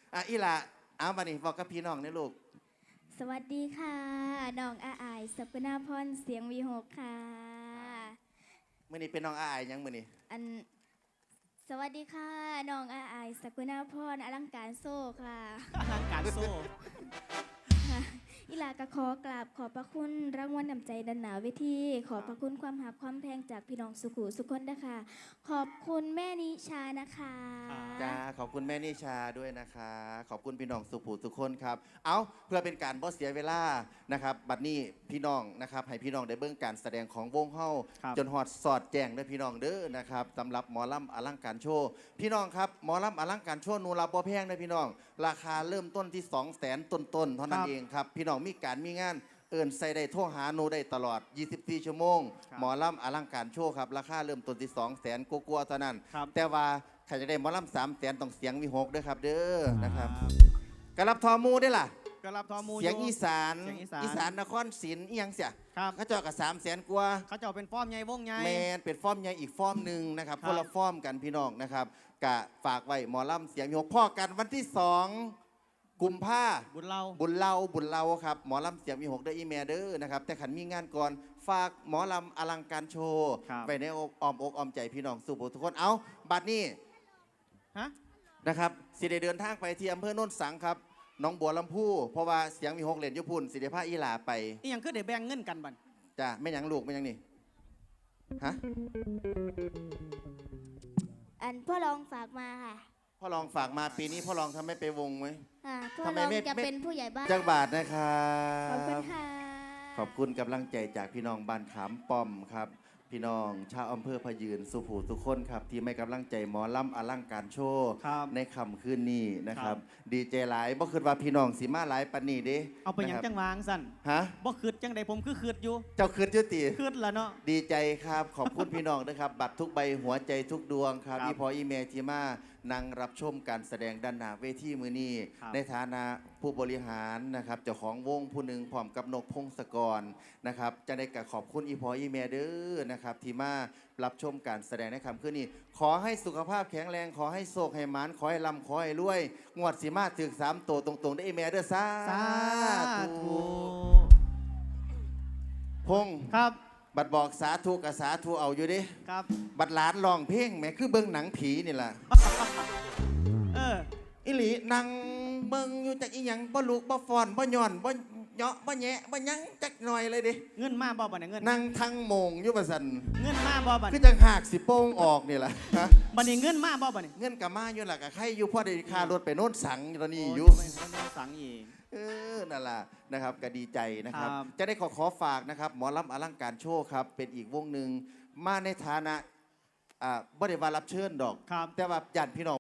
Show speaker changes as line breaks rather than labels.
อีหล่ะเอามานี่บอกกับพี่น้องนี่ลูก
สวัสดีค่ะน้องอาอายสัปนาพรเสียงวีหกค่ะ
มื้อนี้เป็นน้องอายยังมื้อนี้
อันสวัสดีค่ะน้องอาอายสัปนาพรอลังการโซ่ค่ะ
อลังการโซ่
ค่ะอิลากะขอกราบขอบพระคุณรางวัลนำใจดันหนาเวทีขอบพระคุณความหักความแพงจากพี่น้องสุขุสุขคนนะคะขอบคุณแม่นิชานะคะ
จ้าขอบคุณแม่นิชาด้วยนะคะขอบคุณพี่น้องสุภูทุกคนครับเอาเพื่อเป็นการบ่เสียเวลานะครับบัดนี้พี่น้องนะครับให้พี่น้องได้เบิ่งการแสดงของวงเฮาจนฮอดสอดแจ้งเด้อพี่น้องเด้อนะครับสำหรับหมอลำอลังการโชว์พี่น้องครับหมอลำอลังการโชว์นูรับบ่แพงเด้อพี่น้องราคาเริ่มต้นที่ 200,000 ต้นๆเท่านั้นเองครับพี่น้องมีการมีงานเอิญใส่ได้โทรหาโนได้ตลอด24ชั่วโมงหมอลำอลังการโชว์ครับราคาเริ่มต้นที่ 200,000 กว่าๆเท่านั้นแต่ว่าใครจะได้หมอลำ300,000ต้องเสียงมี6ด้วยครับเด้อนะครับกระลับทอมูได้ล่ะ
กระลับทอมู
เสียงอีสานนครศรีอีหยังเสียเขาเจาะกับ300,000 กว่า
เขาเจาะเป็นฟอร์มใหญ่วงใหญ่
แมนเป็นฟอร์มใหญ่อีกฟอร์มหนึ่งนะครับคนละฟอร์มกันพี่น้องนะครับกะฝากไว้หมอลำเสียงมี6พ่อกันวันที่2กุมภา
บุญเ
ล่าครับหมอลำเสียงมี6ได้อีเมลเด้อนะครับแต่ขันมีงานก่อนฝากหมอลำอลังการโชว์ไปในอ้อมอกอ้อมใจพี่น้องสุโขทุกคนเอาบัดนี้นะครับสิได้เดินทางไปที่อำเภอโนนสังครับน้องบัวลำพูเพราะว่าเสียงมี6เหรียญยุพุนสิเดภาอีหลาไป
นี่ยังคือได้แบ่งเงินกันบัน
จ้ะไม่ยังลูกไม่ยังนี่ฮะ
อันพ่อรองฝากมาค่ะ
พ่อรองฝากมาปีนี้พ่อรองทำไม่ไปวงไหม
พ่อรองจะเป็นผู้ใหญ่บ้าน
จักบาทนะครับ
ขอบคุณค่ะ
ขอบคุณกำลังใจจากพี่น้องบ้านขามป้อมครับพี่น้องชาวอำเภอพะยืนสุภูทุกคนครับที่ไม่กำลังใจหมอลำอลังการโชว์ในค่ำคืนนี้นะครับดีใจหลายบ่คิดว่าพี่น้องสิมาหลายปานนี้เด้
เอาไปยังจังวางสั่น
ฮะ
บ่คิดจังใดผมคือคิดอยู่
เจ้าคิดอยู่ติ
คิดละเนาะ
ดีใจครับขอบคุณพี่น้องนะครับบัตรทุกใบหัวใจทุกดวงครับอีพออีเมลที่มานั่งรับชมการแสดงด้านหน้าเวทีมื้อนี้ในฐานะผู้บริหารนะครับเจ้าของวงผู้หนึ่งพร้อมกับนกพงศกรนะครับจะได้กับขอบคุณอีพออีเมลเด้อนะครับที่มารับชมการแสดงในค่ำคืนนี้ขอให้สุขภาพแข็งแรงขอให้โชคให้หมานขอให้ร่ำขอให้รวยงวดสิมาถึง3ตัวตรงๆได้อีเมลเด้อสาธุพง
ครับ
บัดบอกสาธุกับสาธุเอาอยู่ดิ
ครับ
บัดหลานร้องเพลงแม่คือเบิ่งหนังผีนี่ล่ะอิหลีนั่งเบิ่งอยู่จักอีหยังบ่ลูกบ่ฟ้อนบ่ย่อนบ่เหาะบ่แหะบ่หยังจักหน่อยเลยดิ
เงินมาบ่บัดนี้เงิน
นั่งทั้งโมงอยู่ว่าซั่น
เงินมาบ่บัด
คือจังหากสิโป้งออกนี่ล่ะ
บัดนี้เงินมาบ่บัดนี้
เงินก็มาอยู่ล่ะก็ใครอยู่พอได้ค่ารถไปโน่นสังตอนนี้อยู่
สังอีก
นั่นล่ะนะครับก็ดีใจนะครับจะได้ขอฝากนะครับหมอลำอลังการโชว์ครับเป็นอีกวงหนึ่งมาในฐานะบ่ได้ว่ารับเชิญดอกแต่ว่าญาติพี่น้อง